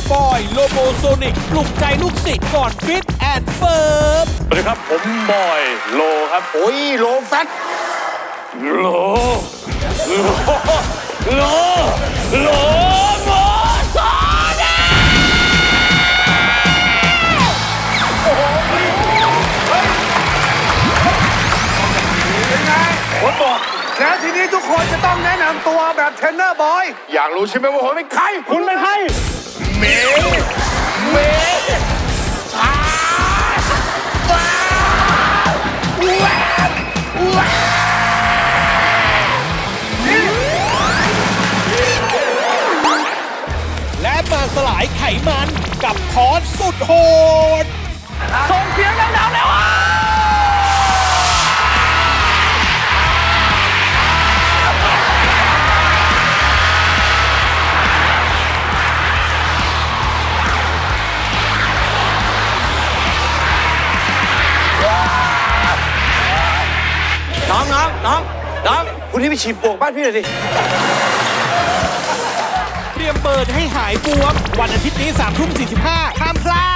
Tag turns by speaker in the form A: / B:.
A: บอยโลโบโซนิกปลุกใจลูกศิษย์ก่อนฟิตแอนด์เฟิร์ม
B: สวัสดีครับผมบอยโลครับ
C: โอ้ยโลแฟต
B: โลโลโลโมโซนิก
C: เป็นไง
B: ผมบอก
C: แล้วทีนี้ทุกคนจะต้องแนะนำตัวแบบเทรนเนอร์บอย อยากรู้ใช่ไหมว่าผมเป็นใคร
B: คุณเป็นใคร
C: เมชา
A: และมาสลายไขมันกับคอร์สสุดโหด
B: ส่งเสียงดังๆเลยว่ะ
C: น้องคุณนี่ไปฉีดปลวกบ้านพี่หน่อยดิ
A: เตรียมเปิดให้หายบวม วันอาทิตย์นี้3 ทุ่ม 45ห้ามพลาด